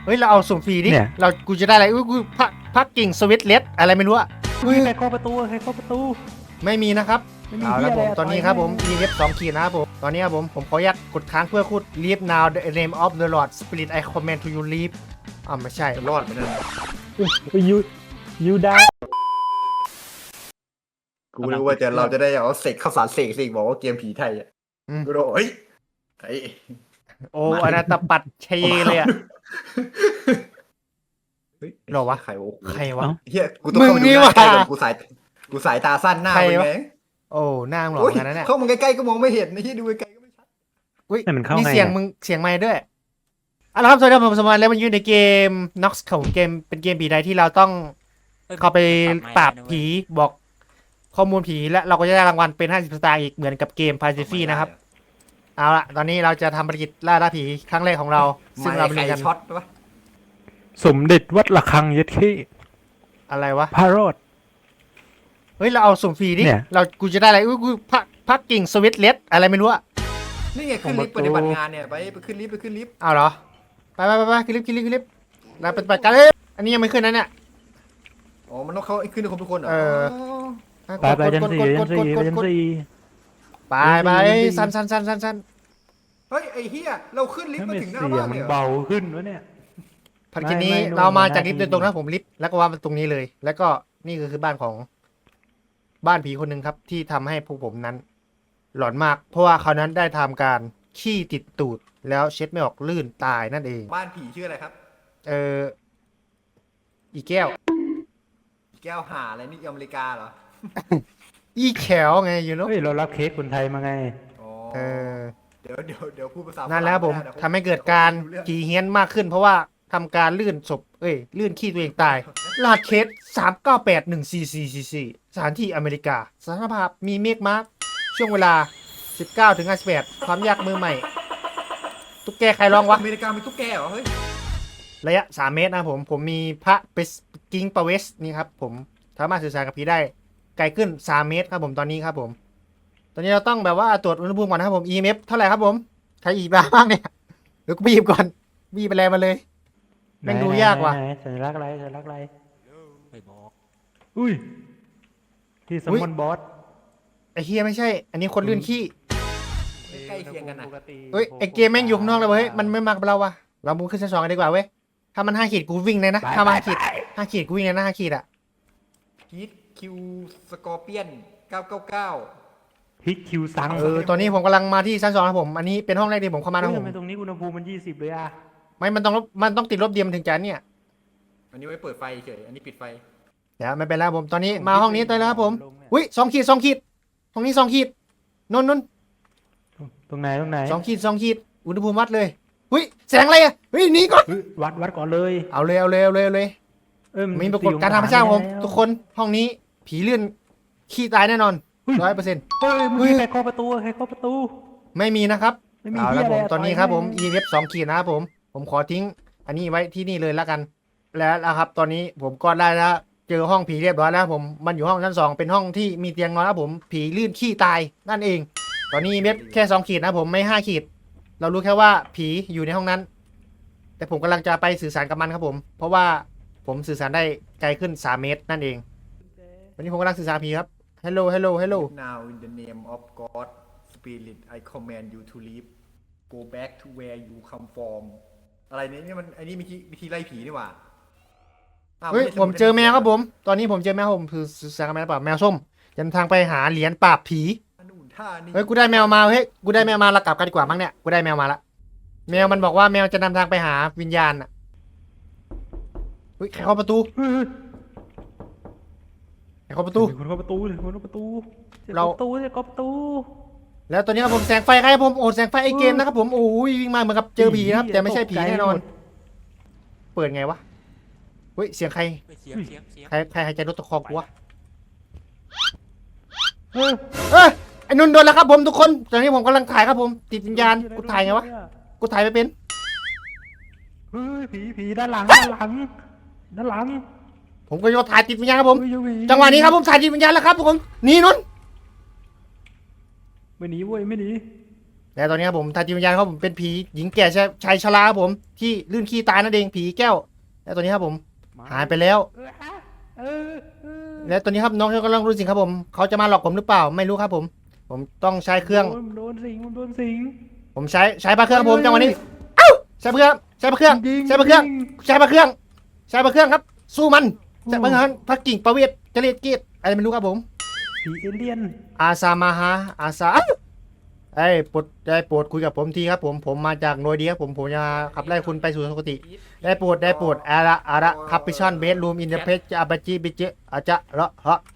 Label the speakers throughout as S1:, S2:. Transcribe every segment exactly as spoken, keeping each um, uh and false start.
S1: เฮ้ยเราเอาสุ่มฟรีดิ
S2: เนี่ย
S1: เรากูจะได้อะไรอุ้ยกูพักพักกิ่งสวิตเลสอะไรไม่รู้อะ
S2: อุ้ยใครเคาะประตูใครเคาะประตู
S1: ไม่มีนะครับ
S2: ไม่มี
S1: เอาละผม
S2: เหี้ยอะไร
S1: ตอนนี้ครับผม
S2: ต่อย
S1: e เอฟสองขีดนะครับผมตอนนี้ครับผมผมขออนุญาตกดค้างเพื่อพูด leave now the name of the Lord Spirit I command to you leave อ่าไม่ใช่
S3: จะรอดไหมนั่น
S2: อุ้ยยูยูดา
S3: กูรู้ว่าจะเราจะได้เอาเสกข้าวสารเสกสิบอกว่าเกมผีไทยอ่ะ
S1: อืม
S3: กูโดนเฮ้ยไอ้
S1: โอ้อนาตปัดเชยเลยอะ
S3: เฮ้ย
S1: หรอวะ
S3: ใครวะ
S1: ใครวะ
S3: เฮียกูต้องเข้ามา
S1: มึงนี่
S3: ดูหน้าใกล้
S1: ว่ะ
S3: ก่อนกูสายกูสายตาสั้นหน้า
S1: ใคร
S3: มึง
S1: วะ
S3: ไง
S1: โอ้หน้ามึงหลอ
S3: โอ้
S1: ก
S3: ย
S1: กันนะเนี่ย
S3: เข้ามาใกล้ๆก็มองไม่เห็นนะที่ดูไกลๆก็ไม่ชัด
S1: อุ้ย
S2: แต่มันเข้า
S1: นี่
S2: ไง
S1: เสียง
S2: อะ
S1: มึงเสียงไมค์ด้วยเอาละครับสวัสดีครับผมสมานแล้วมันอยู่ในเกม Nox ของเกมเป็นเกมผีใดที่เราต้องเข้าไปปราบผีบอกข้อมูลผีและเราก็จะได้รางวัลเป็นห้าสิบสตางค์อีกเหมือนกับเกม Pacific นะครับเอาละตอนนี้เราจะทำภารกิจล่าล่าผีครั้งแรกของเราซึ่งเรา
S3: ไม่
S1: ไป
S3: ใคร
S1: เรียนกัน
S3: ช็อตวะ
S2: สมเด็จวัดระฆังยัดขี้
S1: อะไรวะ
S2: พระโรด
S1: เฮ้ยเราเอาสุ่มฟรีดิ
S2: เนี่ย
S1: เรากูจะได้อะไรอุ้ยกูพักพักกิ่งสวิตเลสอะไรไม่รู้อะ
S3: นี่ไงขึ้นลิฟต์ปฏิบัติงานเนี่ยไปไปขึ้นลิฟต์ไปขึ้นลิฟต์
S1: เอาเหรอไปไปไปไปขึ้นลิฟต์ขึ้นลิฟต์ขึ้นลิฟต์เราปฏิบัติการเอ้ยอันนี้ยังไม่ขึ้นนะเนี่ย
S3: อ๋อมันต้องเข้าขึ้นทุกคนทุกคนเหรอ
S1: เออ
S2: ไปไปยันสี่ยันสี่ยันสี่
S1: ไปไปสั้นสั้นสั้นสั้นสั้น
S3: เฮ้ยไอ้เฮียเราขึ้นลิฟ
S2: ถ้า
S3: ต์มา
S2: ไม่
S3: ถึงหน้า
S2: เสีย
S3: บ้าง น
S2: มั
S3: เลย
S2: น
S3: เหรอ
S2: เบาขึ้นวะเนี่ย
S1: ภารกิจนี้
S2: ไม่ไม่
S1: เรามา
S2: โน่น
S1: จากลิฟต์โดยตรง
S2: หน้า
S1: นะ
S2: ที่
S1: ผมลิฟต์แล้วก็วางตรงนี้เลย แล้วก็นี่ก็คือบ้านของบ้านผีคนหนึ่งครับ ที่ทำให้พวกผมนั้น หลอนมาก เพราะว่าเขานั้นได้ทำการขี้ติดตูด แล้วเช็ดไม่ออกลื่นตายนั่นเอง
S3: บ้านผีชื่ออะไรครับ
S1: เอออีแก้ว
S3: แก้วหาอะไรนี่อเมริกาเหรอ
S1: อีแขวไงอยู่เนาะ
S2: เฮ้ยเรารับเค้กคนไทยมาไง
S3: อ๋อ
S1: เออ
S3: เดี๋ยวเดี๋ยวเดี๋ยวพูดภาษา
S1: นั่นแหล้วผม
S3: ฝรั่งไได้
S1: ทำให้เกิดการ
S3: เดี๋ยว
S1: ผีเฮี้ยนมากขึ้น เพราะว่าทำการลื่นศพเอ้ยลื่นขี้ตัวเองตายรหัสเคสสามเก้าแปดหนึ่งสี่สี่สี่สี่สถานที่อเมริกาสถานภาพมีเมฆมาร์กช่วงเวลาสิบเก้าถึงห้าสิบแปดความยากมือใหม่ ตุ๊กแกใครร้องวะ
S3: อเมริกามีตุ๊กแกเหรอเฮ้ย
S1: ระยะสามเมตรนะครับผมผมมีพระเปสกิงปาเวสนี่ครับผมสามารถสื่อสารกับผีได้ไกลขึ้นสามเมตรครับผมตอนนี้ครับผม ตอนนี้เราต้องแบบว่าตรวจอุณหภูมิก่อนนะครับผม อี เอ็ม เอฟ เท่าไหร่ครับผมใครอีกบ้างเนี่ยเดี๋ยวกูบีบก่อนบีบไปแล้วมาเลย แม่งดูยากว่ะ
S2: ไหนๆๆสัญลักษณ์อะไรสัญลักษณ์อะไร
S4: ไม่บอก
S2: อุ้ยที่สมมอนบอส
S1: ไอ้เฮียไม่ใช่ อันนี้คนลื่นขี้
S3: ใกล้เคียงกันนะ
S1: เอ้ยไอ้เกมแม่งอยู่ข้างนอกเลยเว้ยมันไม่มากับเราว่ะเรามูฟขึ้นชั้นสองกันดีกว่าเว้ยถ้ามันห้าขีดกูวิ่งเลยนะถ้ามันห้าขีดห้าขีดกูวิ่งเลยนะห้าขีดอะ
S3: ฮีทคิวสกอร์เปียนเก้าเก้าเก้า
S2: ฮิตคิวซัง
S1: เออตอนนี้ผมกำลังมาที่ชั้นสองครับผมอันนี้เป็นห้องแรกที่ผมเข้ามานะ
S2: เฮ้ย
S1: ผ
S2: ทำ
S1: ม
S2: ไมตรงนี้อุณหภูมิมันยี่สิบเลยอะ
S1: ไม่มันต้องลบมันต้องติดลบเดียวมันถึงจะเนี่ย
S3: อันนี้ไว้เปิดไฟเฉยอันนี้ปิดไฟ
S1: เดี๋ยวไม่เป็นไรครับผมตอนนี้มาห้องนี้ตัวแล้วครับผมอุ้ยสองขีดสองขีดห้องนี้สองขีดนนนน
S2: ตรงไหนตรงไหน
S1: สองขีดสองขีดอุณหภูมิวัดเลยอุ้ยแสงอะไรอะเฮ้ยหนีก่อน
S2: เฮ้ยวัดวัดก่อนเลย
S1: เอาเลยเอาเลยเอาเลยเอาเลย
S2: เอ้ย
S1: มีปรากฏการณ์ธรรมชาติครับผมทุกคนห้องนี้ผีเลื่อนขี้ตายแน่นอนร้อยเปอร์เซ็นต์
S2: เฮ้ยมึงใครเคาะประตูใครเคาะประตู
S1: ไม่มีนะครับ
S2: ไม่มี
S1: เอาละ
S2: เหี้ย
S1: ผม
S2: อะไร
S1: ตอนนี้
S2: ต่อย
S1: ครับผม
S2: แม่ง
S1: อี เอฟ สองขีดนะครับผม ผมขอทิ้ง อันนี้ไว้ที่นี่เลยแล้วกัน แล้วนะครับ ตอนนี้ผมก็ได้แล้วเจอห้องผีเรียบร้อยแล้วผมมันอยู่ห้องชั้นสองเป็นห้องที่มีเตียงนอนแล้วผมผีลื่นขี้ตายนั่นเอง ตอนนี้เม็ดแค่สองขีดนะผมไม่ห้าขีด เรารู้แค่ว่าผีอยู่ในห้องนั้น แต่ผมกำลังจะไปสื่อสารกับมันครับผม เพราะว่าผมสื่อสารได้ไกลขึ้นสามเมตรนั่นเองวันนี้ผมกำลังสื่อสารผีครับ hello hello hello
S3: Now in the name of God Spirit I command you to leave go back to where you come from อะไรเนี่ยนี่มันอันนี้วิธีวิธีไล่ผีนี่หว่าอ้าว
S1: เฮ้ย
S3: ไใช่
S1: ผมเจอแมวครับผม ตอนนี้ผมเจอแมวผมคือสื่อสารกับแมวเปล่าแมวส้มจะทางไปหาเหรียญปราบผี
S3: นู่นท่านี่
S1: เฮ้ยกูได้แมวมาเฮ้ยกูได้แมวมาเรากลับกันดีกว่ามั้งเนี่ยกูได้แมวมาละแมวมันบอกว่าแมวจะนำทางไปหาวิญญาณอ่ะเฮ้ยใครเคาะประตู
S2: เฮ้ย
S1: ใครเคาะประตู
S2: คนเคาะประตูเลยคนเคาะประตู
S1: เรา
S2: ประตูเนี่ยเคาะประตู
S1: แล้วตอนนี้ครับผมแสงไฟใครครับผมโอ้แสงไฟไอเกมนะครับผมโอ้ยวิ่งมาเหมือนกับเจอผีนะครับแต่ไม่ใช่ผีแน่นอน เปิดไงวะเฮ้ยเสียงใคร
S4: เฮ้ยเสียงเสียงเสียง
S1: ใครใครหายใจรถตะคอกกูวะ
S2: เฮ้ย
S1: เอ้ยไอ้นุ่นโดนแล้วครับผมทุกคนตอนนี้ผมกำลังถ่ายครับผมติดวิญญาณกูถ่ายไงวะกูถ่ายไม่เป็น
S2: เฮ้ยผีผีด้านหลังด้านหลังด้านหลัง
S1: ผมก็โยนถ่ายติดวิญญาณครับผม
S2: เฮ้ยผี
S1: จังหวะนี้ครับผมถ่ายติดวิญญาณแล้วครับทุกคนหนีนุ่น
S2: ไม่หนีเว้ยไม่หนี
S1: เและตอนนี้ครับผมทางจิตวิญญาณครับผมเป็นผีหญิงแก่ชายชายชราครับผมที่ลื่นขี้ตายนั่นเองผีแก้ว และตอนนี้ครับผมหายไปแล้ว
S2: เออเออเออ
S1: และตอนนี้ครับน้องกำลังรู้สิ่งครับผมเขาจะมาหลอกผมหรือเปล่าไม่รู้ครับผม ผมต้องใช้เครื่อง
S2: โดนโดนสิงมันโดนสิง
S1: ผมใช้ใช้พระเครื่องครับผมจังหวะนี้เอ้าใช้พระเครื่องใช้พระเครื่อง
S2: ยิง
S1: ใช้พระเครื่อง
S2: ยิง
S1: ใช้พระเครื่องใช้พระเครื่องครับ สู้มันใช้พระเครื่องพระกิ่งประเวทเจริญเกียรติอะไรไม่รู้ครับผม
S2: ผีเอเลี่ยน
S1: อาซามาฮาอาซาไอ้ยโปรดได้โปรดคุยกับผมทีครับผมผมมาจากโนเดียผมผมจะขับไล่คุณไปสู่สุคติ ได้โปรดได้โปรดอาระอาระคับพิชันเบสรูมอินเดเพจอาบาจิบิเจอาจะละฮะ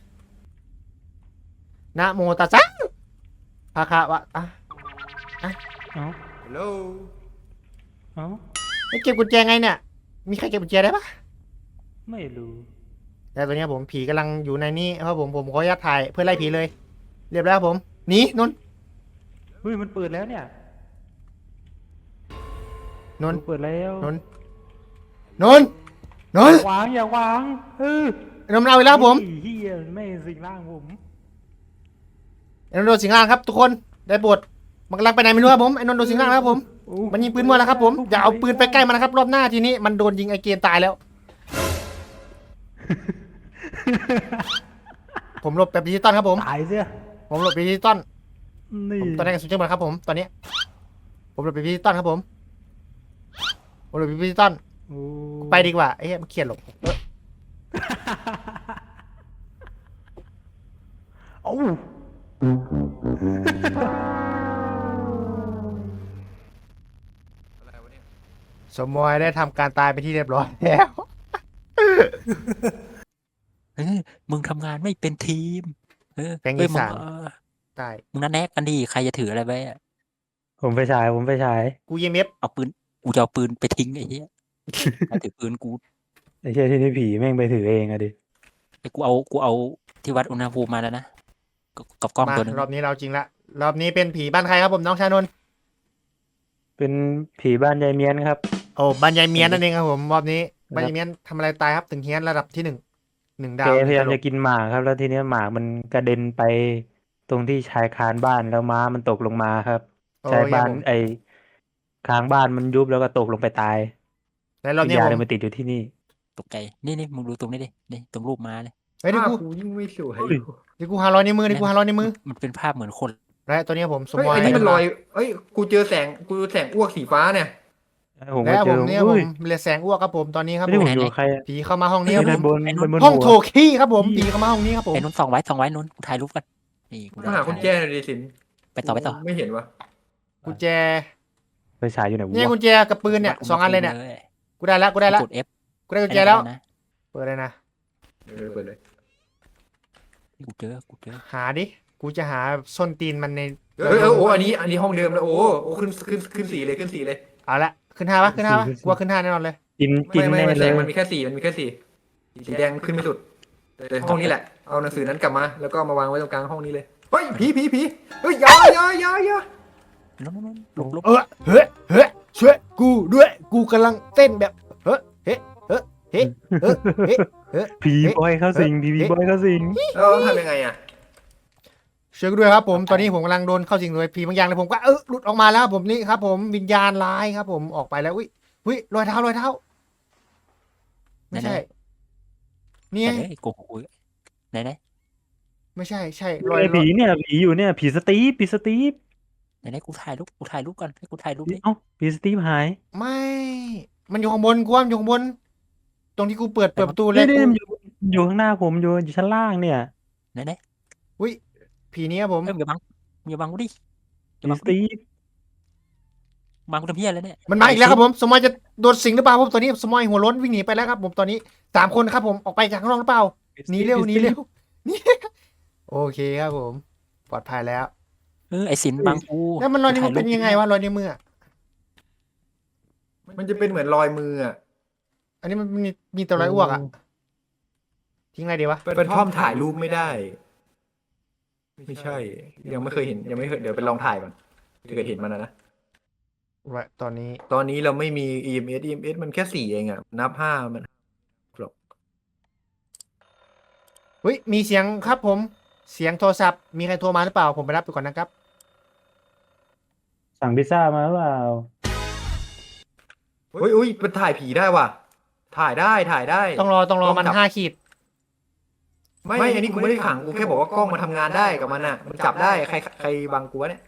S1: นะโมตัสสะภะคะวะอ่ะ
S2: เอ้า
S3: ฮัลโหล
S2: เอ้า
S1: ไม่เก็บกุญแจไงเนี่ยมีใครเก็บกุญแจได้ปะ
S2: ไม่รู้
S1: แต่ตัวเนี้ยผมผีกำลังอยู่ในนี้ครับผมผมขออนุญาตถ่ายเพื่อไล่ผีเลย เรียบร้อยครับผมหนีนนท์
S2: เฮ้ยมันเปิดแล้วเนี่ย
S1: นนท์
S2: เปิดแล้ว
S1: นนท์นนท์นนท์
S2: วางอย่าวางเออน
S1: นท์มันเอาอีกแล้วครับผม
S2: ไอ้เฮียไม่สิงร่างผม
S1: ไอ้นนท์โดนสิงร่างครับทุกคนได้โปรดมันกำลังไปไหนไม่รู้ครับผมไอ้นนท์โดนสิงร่างแล้วครับผม
S2: โอ้
S1: มันยิงปืนมั่วแล้วครับผมอย่าเอาปืนไปใกล้มันนะครับรอบหน้าทีนี้มันโดนยิงไอเกนตายแล้ว ผมหลบแบบดิจิตอลครับผม
S2: ตายเสีย
S1: ผมหลบแบบดิจิตอล
S2: นี่
S1: ผมตอนนี้กระสุนจะหมดครับผมตอนนี้ ผมหลบแบบดิจิตอลครับผมผมหลบแบบดิจิตอล
S2: โอ้
S1: ไปดีกว่าไอ้เหี้ยมันเขียนหลบเออ
S2: เอ้า
S3: อะไรวะเนี่ย
S1: สมมอยได้ทำการตายไปนที่เรียบร้อยแล้ว
S4: เออมึงทำงานไม่เป็นทีม เออ
S1: แก๊ง
S4: เอ้ย
S1: อี
S4: มึง
S1: สาน
S4: เออ
S1: ตาย
S4: มึงนัดแนกกันดิใครจะถืออะไรไว้อะ
S2: ผมไปฉายผมไปฉาย
S1: กูยีเมฟ
S4: เอาปืนกูจะเอาปืนไปทิ้งไอ้เหี้ยใครถือปืนกู
S2: ไอ้เชี่ยที่นี่ผีแม่งไปถือเองอะดิ
S4: ไอ้กูเอากูเอาที่วัดอุณหภูมิมาแล้วนะกับกับกล้อง
S1: มา
S4: ตัวหนึง
S1: รอบนี้เราจริงละรอบนี้เป็นผีบ้านใครครับผมน้องชานนท์
S2: เป็นผีบ้านยายเมียนครับ
S1: โอ้บ้านยายเมียนนั่นเองครับผมรอบนี้บ้านยายเมียนทำอะไรตายครับถึงเฮียนระดับที่หนึ่งหนึ่งดา
S2: แก
S1: ว
S2: พยายาม
S1: หนึ่
S2: จะ
S1: งตลบ
S2: กินหมากครับ แล้วทีเนี้ยหมากมันกระเด็นไปตรงที่ชายคานบ้านแล้วม้ามันตกลงมาครับ
S1: โอ้
S2: ชาย
S1: ย
S2: บ้าน
S1: ผม
S2: ไอ้คางบ้านมันยุบแล้วก็ตกลงไปตาย
S1: แล้วรอบ
S2: วิญ
S1: นี้
S2: ญาณ
S1: ผ
S2: เลย
S1: ม
S2: มาติดอยู่ที่นี่
S4: ตกใจนี่นี่มึงดูตรงนี้ดินี่ตรงรูปม้าเลย
S1: เฮ้ยเดี๋ยว
S3: ภาพ
S1: กู
S3: กูยิ่งไม่สวย
S2: เฮ้ย
S1: เดี๋ยวกูหาร้อยในวมือเดี๋ยวกูหาร้อยในวมือ
S4: มันเป็นภาพเหมือนคน
S1: และตัวนี้ผมสม
S3: เฮ้ย
S1: มอย
S3: อันนี้มันลอยเอ้ยกูเจอแสงกูเจอแสงอ้วกสีฟ้าเนี่ย
S2: ผมก็
S1: และ
S2: เจ
S1: ผ
S2: อ
S1: มเนี่ยผ
S2: อุ้
S1: ม
S2: ย
S1: เรียกแสงอ้วกครับผมตอนนี้ครับ
S2: ไม่
S1: ผ
S2: ได้
S1: ม
S2: ผมอยู่กับใครอะ
S1: ผีเข้ามาห้องนี้ครับผ
S2: ด้าน
S1: ม
S2: บนด้านบน
S1: ห้อง
S2: หัว
S1: โถขี้ครับผมผีเข้ามาห้องนี้ครับผม
S4: ไอ้นุ่นส่องไว้ส่องไว้นุ่นกูถ่ายรูปกันนี่กู
S3: มาหาคนแจ้หน่อยดิสิน
S4: ไปต่อไปต่อ
S3: ไม่เห็นวะ
S1: กุญแจ
S2: ไปฉายอยู่ไหน
S1: เนี่ยว
S2: ะ
S1: กุญแจกับปืนเนี่ย
S4: วัด
S1: สองอันเลยเนี่ย
S4: ณหภูมิ
S1: กูได้แล้วกูได้แล้ว
S4: กด F
S1: กูได้กุญแจแล้ว
S4: นะ
S1: เปิดเลยนะ
S3: เออเปิดเลย
S4: กูเจอกูเจอ
S1: หาดิกูจะหาส้นตีนมันใน
S3: เออเออโอ้อันนี้อันนี้ห้องเดิมแล้วโอ้โอ้ขึ้นขึ้นขึ้นสีเลยขึ้นสีเลย
S1: เอาละขึ้นห้าปะขึ้นห้าปะกลัวขึ้นห้าแน่นอนเลย
S2: กินกิน
S3: ไม่ไม่
S2: แน่
S3: ไม่
S2: เล
S3: แส
S2: ย
S3: งมันมีแค่สีมันมีแค่สีสีแดงขึ้นไม่สุดแต่ห้องนี้แหละเอาหนังสือนั้นกลับมา แล้วก็มาวางไว้ตรงกลางห้องนี้เลยเฮ้ยผีผีผีเฮ้ยอยาอยาอยาอยา
S4: นุ่นนุ่นนุ่นลบลบ
S1: เออเฮ้ยเฮ้ยช่วยกูด้วยกูกำลังเต้นแบบเฮ้ยเฮ้ยเฮ้ยเฮ้ยเฮ้ยเฮ้ยเฮ้ย
S2: ผีบอยเข้าสิงผีผีบอยเข้าสิง
S3: แล้วทำยังไงอ่ะ
S1: ช่วยกูด้วยครับผมตอนนี้ผมกำลังโดนเข้าสิงโดยผีบางอย่างเลยผมก็เออหลุดออกมาแล้วครับผมนี่ครับผมวิญญาณร้ายครับผมออกไปแล้วอุ้ยอุ้ยรอยเท้ารอยเท้าไม่ใช่นี่
S4: ไหน
S1: ไง
S4: ไหนโกหกกูไหนไหน
S1: ไม่ใช่ใช่รอย
S2: ไอ้ผีเนี่ยผีอยู่เนี่ยผีสตีฟผีสตีฟ
S4: ไหนไหนกูถ่ายรูปกูถ่ายรูปก่อนให้กูถ่ายรูปดิ
S2: เอ้าผีสตีฟหาย
S1: ไม่มันอยู่ข้างบนกูว่ามันอยู่ข้างบน ตรงที่กูเปิดเปิดประตูแร
S2: นี่
S1: ก
S2: นี่
S1: กู
S2: มันอยู่อยู่ข้างหน้าผมอยู่อยู่ชั้นล่างเนี่ย
S4: ไหนไหน
S1: อุ้ยผีนี้ครับผม
S4: เอ้ยมึงอย่าบังมึงอย่าบังกูดิอย่า
S2: ผี
S4: บัง
S2: ส
S4: กูดิ
S2: ตีฟ
S4: บังกูทำเพี้ยอะไรเนี่ย
S1: มันมาอีกแล้วครับผมสมอยจะโดนสิงหรือเปล่าผมตอนนี้สมอยหัวล้นวิ่งหนีไปแล้วครับผมตอนนี้สามคนครับผมออกไปจากข้างนอกหรือเปล่าหนีเร็วหนีเร็วหนี่โอเคครับผม ปลอดภัยแล้ว
S4: เออไอสินบังกู
S1: แล้วมันรอยนิ้วมือ
S4: ถ่า
S1: เป็นยังไงวะรอยนิ้วมืออะ
S3: มันจะเป็นเหมือนรอยมืออ่ะ
S1: อันนี้มันมีมีแต่รอยอ้วกอะทิ้งอะไรดีวะ
S3: เป็นท่อมถ่ายรูปไม่ได้ ไม่ใช่ ยังไม่เคยเห็นยังไม่เคยเดี๋ยวไปลองถ่ายก่อนถ้าเกิดเห็นมันนะนะ
S1: ไว้ตอนนี้
S3: ตอนนี้เราไม่มี อี เอ็ม เอส อี เอ็ม เอส มันแค่สี่เองอ่ะ นับห้ามัน
S1: เฮ้ยมีเสียงครับผม เสียงโทรศัพท์มีใครโทรมาหรือเปล่าผมไปรับไปก่อนนะครับ
S2: สั่งพิซซ่ามาหรือเปล่า
S3: เฮ้ยอุ้ยมันถ่ายผีได้ว่ะ ถ่ายได้ถ่ายได้
S1: ต้องรอต้องรอมัน
S3: จับ
S1: ห้าขีด
S3: ไม่ อันนี้กูไม่ได้ขัง กูแค่บอกว่ากล้องมันทำงานได้กับมันอ่ะ มันจับได้ ใครใครบังกูวะเนี่ย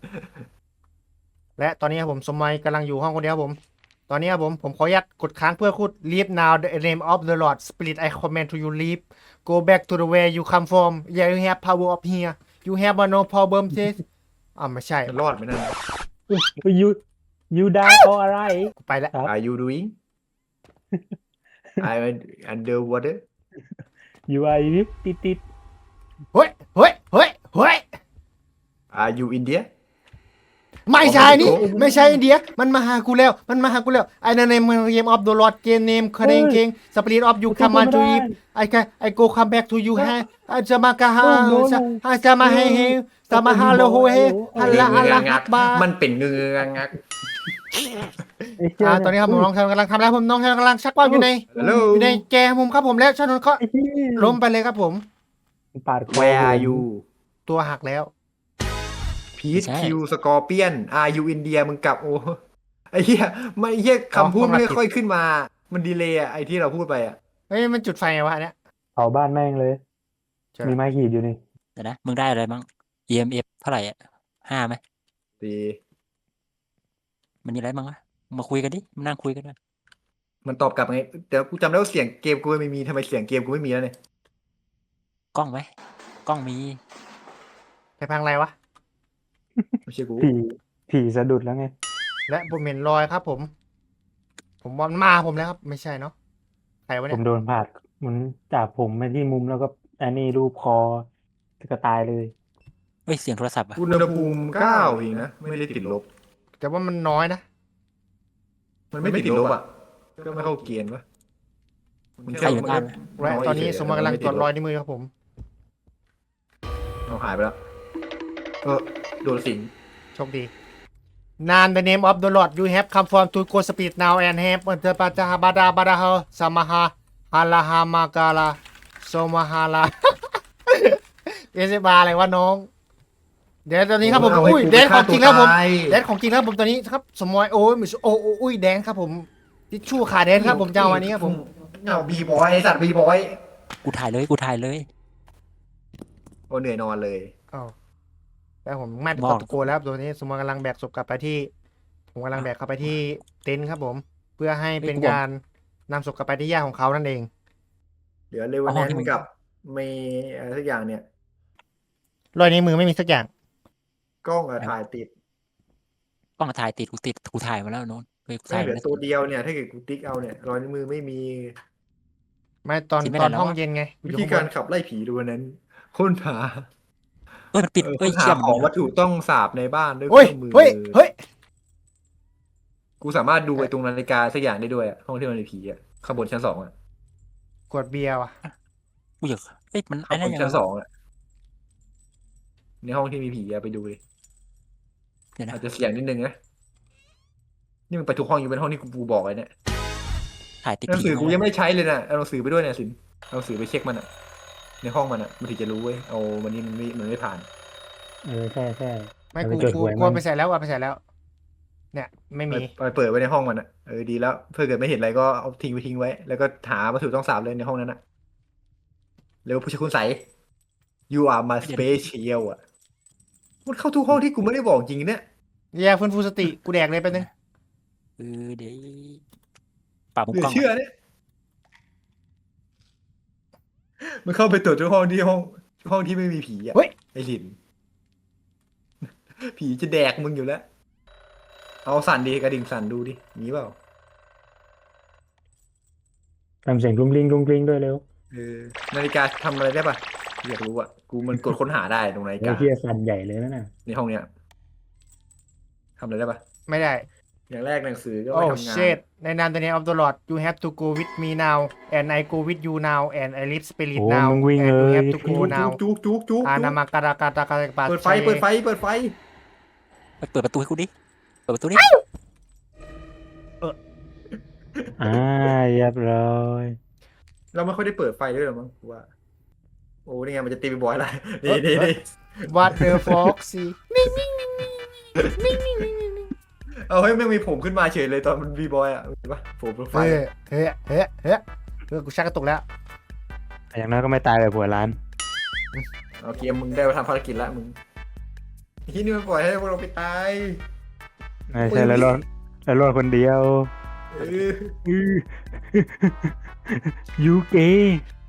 S1: และตอนนี้ครับผมสมัยกำลังอยู่ห้องคนเดียวครับผม ตอนนี้ครับผมผมขออนุญาตกดค้างเพื่อพูด leave now the name of the Lord Spirit I command to you leave go back to the way you come from yeah you have power up here you have no problem this อ่าไม่ใช่
S3: มันรอดไหมนั่น
S2: ยูยูดาเพราะอะไร
S1: กูไปแล้ว
S2: ครับ
S3: Are you doing I'm underwater
S2: you are ลิฟติดติด
S1: เฮ้ยเฮ้ยเฮ้ยเฮ้ย
S3: Are you India
S1: ไม่ใช่นี่
S3: อ๋อไม่ถูก
S1: ไม่ใช่อินเดียมันมาหากูแล้ว มันมาหากูแล้วไอ้นั่นเนมเกมออฟเดอะลอร์ดเกมเนมเครงเคงสปิริตออฟยูคัมมาทูอีไอ้แค่ไอ้โกคัมแบ็กทูยูฮะอาจะมากะฮาจะอาจะมาให้เฮจะมาฮาโลโฮเฮฮัลลาอัลลาฮักบา
S3: มันเป็นเงืองัก
S1: อ่าตอนนี้ครับผมน้องชายกำลังทำแล้วผมน้องชายกำลังชักว่าวอยู่ใน
S3: ฮัลโหล
S1: อยู่ในแกมุมครับผมแล้วชานนท์ก็ล้มไปเลยครับผม
S2: ปาดคอ
S3: Where are you
S1: ตัวหักแล้ว
S3: พีทคิวสกอร์เปียน Are you India มึงกลับโอ้ไอ้เหี้ยไม่ไอ้เหี้ยคำพูดไม่ค่อยขึ้นมา มันดีเลยอะไอ้ที่เราพูดไปอะ
S1: เฮ้ยมันจุดไฟไงวะอันเนี้ย
S2: เผาบ้านแม่งเลย
S1: ใช่
S2: มีไม้ขีดอยู่นี่
S4: เดี๋ยวนะ มึงได้อะไรบ้าง อี เอ็ม เอฟ เท่าไหร่อ่ะห้าไหม
S3: ดี
S4: มันมีอะไรบ้างวะมึงมาคุยกันดิมานั่งคุยกันด้วย
S3: มันตอบกลับไงแต่กูจำได้ว่าเสียงเกมกูไม่มีทำไมเสียงเกมกูไม่มีแล้วเนี่ย
S4: กล้องไหมกล้องมี
S1: ไปพังอะไรวะ
S3: ไม่ใช่กู
S2: ผีผีสะดุดแล้วไง
S1: และผมเห็นรอยครับผม ผมว่ามันมาผมแล้วครับ ไม่ใช่เนาะใครวะ
S2: ผ
S1: เนี่ย
S2: มโดนผาดมันจับผมไปที่มุมแล้วก็อันนี้รูปคอก็ตายเลย
S4: เฮ้ย เสียงโทรศัพท์อ่ะ
S3: อุณหภูมิเก้าเองนะ ไม่ได้ติดลบ
S1: แต่ว่ามันน้อยนะ
S3: มันไม่ติดลบอ่ะ ก็ไม่เข้าเกณฑ์วะมัน
S4: ใครอยู่บ้าน
S1: และตอนนี้สมมติกำลังตรวจรอยนิ้วมือครับผม
S3: เอาหายไปแล้ว เออโดนสิง
S1: โชคดี Nan the name of the Lord you have come from to go speed now and have เออปะจาบาดาบาดาเฮาสมาฮาฮาลาฮามากาลาโซมาฮาลา เอสบาอะไรวะน้อง เดี๋ยวตอนนี้ครับผม
S3: เอาให้
S1: อุ้ย
S3: กู
S1: แดนของจริงแล้วผม
S3: ฆ่าตัวตาย
S1: แดนของจริงแล้วผมตอนนี้ครับ สมอยโอ้ยมิสโอ้โอ้อุ้ยแดนครับผมทิชชู่ขาแดนครับผมจะเอาวันนี้ครับผม
S3: เอาบีบอยไอ้สัตว์บีบอย
S4: กูถ่ายเลย กูถ่ายเลย
S3: โอ้เหนื่อยนอนเลย
S1: อ้าวแล้วผมไม่เป็น
S4: บอก
S1: ตะโกนแล้วครับตัวนี้สมมติกำลังแบกศพกลับไปที่ ผมกำลังแบกเข้าไปที่เต็นท์ครับผม เพื่อให้เป็นการนำศพกลับไปที่ย่าของเขานั่นเอง
S3: เดี๋ยวเลวันแนนกับเมย์อะไรสักอย่างเนี่ย
S1: รอยนิ้วมือไม่มีสักอย่าง
S3: กล้องอะถ่ายติด
S4: กล้องถ่ายติด กูติด กูถ่ายมาแล้วโน้นเฮ้ยกู
S3: ไม่
S4: ถ่าย
S3: เห
S4: มา
S3: ลือ
S4: แล้ว
S3: ตัวเดียวเนี่ย ถ้าเกิดกูติ๊กเอาเนี่ยรอยนิ้วมือไม่มี
S1: ไม่ตอน
S4: คิดไม่
S1: ต
S4: ได้
S1: อน
S4: แล้ว
S1: ห้อง
S4: วะ
S1: เย็นไง
S3: วิธีการขับไล่ผีดูวันนั้นค้นหา
S4: เฮ้ย มันปิด
S3: เออ
S4: เฮ้ย
S3: ค้นหา
S4: เชี่ยม
S3: ของวัตถุต้องสาบในบ้านด้วยเค
S1: เฮ้ย
S3: รื่องมือ
S1: เฮ้ยเฮ้ย
S3: กูสามารถดูไอ้ตรงนาฬิกาสักอย่างได้ด้วยอะห้องที่มันมีผีอะข้างบนชั้นสองอะ
S1: กดเบียร์ว่ะ
S4: กูอยากเฮ้ย มัน
S3: ข้า
S4: ไอ้
S3: งบ
S4: นั่น
S3: น
S4: ยัง
S3: ชั้น
S4: ไง
S3: สอ
S4: วะ
S3: งอะในห้องที่มีผีอะไปดูดิ
S4: เดี๋ยวนะ
S3: อาจจะเสียงนิดนึงนะนี่มันไปทุกห้องอยู่เป็นห้องที่กูบอกไว้เนี่ย
S4: ถ่ายติด
S3: หนัง
S4: ผี
S3: สือกู
S4: มา
S3: ยังไม่ได้ใช้เลยนะเอาหนังสือไปด้วยเนี่ยสินเอาหนังสือไปเช็คมันอะในห้องมันอะมันถึงจะรู้เว้ยเอาวันนี้มันไม่มันไม่ผ่าน
S2: เออใช่ใช่
S1: ไม่
S2: เอา
S1: กู
S2: ไปจด
S1: กู
S2: หวย
S1: กู
S2: มัน
S1: เอาไปใส่แล้วเอาไปใส่แล้ว เนี่ย ไม่
S3: ไป
S1: มี
S3: ไปเปิดไว้ในห้องมันอะเออดีแล้วเพื่อเกิดไม่เห็นอะไรก็เอาทิ้งไว้ทิ้งไว้ แล้วก็หาวัตถุต้องสาบเลยในห้องนั้นอะเร็วผู้ชายคุณใส you are my special อะมันเข้าทุกห้องที่กูไม่ได้บอกจริงเนี่ย
S1: แย่ฟื้นฟูสติ กูแดกเลยไปบนึง
S4: เออเดี๋ยวปรับมุม
S3: เหลื
S4: กล้
S3: อ
S4: อง
S3: เชื่อเนี่ยมันเข้าไปตรวจทุกห้องที่ห้องห้องที่ไม่มีผีอะ
S1: เฮ้ย
S3: ไอ้หลิน ผีจะแดกมึงอยู่แล้ว เอาสั่นดีกระดิ่งสั่นดูดิ มีเปล่า
S2: ทำเสียงกรุ้งกริ้งกรุ้งกริ้งด้วยเร็ว
S3: เออ นาฬิกาทำอะไรได้ปะอยากรู้อะกูมันกดค้นหาได้ตรงนาฬิ
S2: ไอ้
S3: กา
S2: เหี้ยสั่นใหญ่เลยนะน่ะ
S3: ในห้องเนี้ยทำอะไรได้ปะ
S1: ไม่ได้
S3: อย่างแรกหนังสือก็
S1: โอ้
S3: ไม่ทำงาน
S1: shit ในนาม the name of the Lord you have to go with me now and I go with you now and I live spirit
S2: โอ้
S1: now
S2: มึงวิ่ง
S1: and
S2: เล
S1: you
S2: ย
S1: have to
S3: จุ
S1: go
S3: ก
S1: now
S3: จุกจุกจุก
S1: อานามาการากาตากาปา
S3: เปิดไฟ เปิดไฟ เปิดไฟ
S4: ไปเปิดประตูให้กูดิ เปิดประตูดิ
S2: อ่าเรียบร้อย
S3: เราไม่ค่อยได้เปิดไฟด้วยหรอมั้งกูว่า โอ้นี่ไงมันจะตีไปบอยละนี่นี่นี่
S1: what the foxy นิ่งนิ่งนิ่งนิ่งนิ่งนิ่งนิ่ง
S3: เอาให้แม่งมีผมขึ้นมาเฉยเลยตอนมันบีบอยอ่ะเห็นปะผมโปรไฟ
S1: เฮ้
S3: ล์
S1: ยเฮ้ยเฮ้ยเฮ้ยเออกูชักกระตุกแล้ว
S2: อย่างน้อยก็ไม่ตายแบบหัวร้าน
S3: เอาเกมมึงได้มาทำภารกิจแล้วมึงที่นี่มันปล่อยให้พวกเราไปตาย
S2: ไม่ใช่แล้วรอดแล้วรอดคนเดียว
S3: เออ
S2: อื้อ ยูเก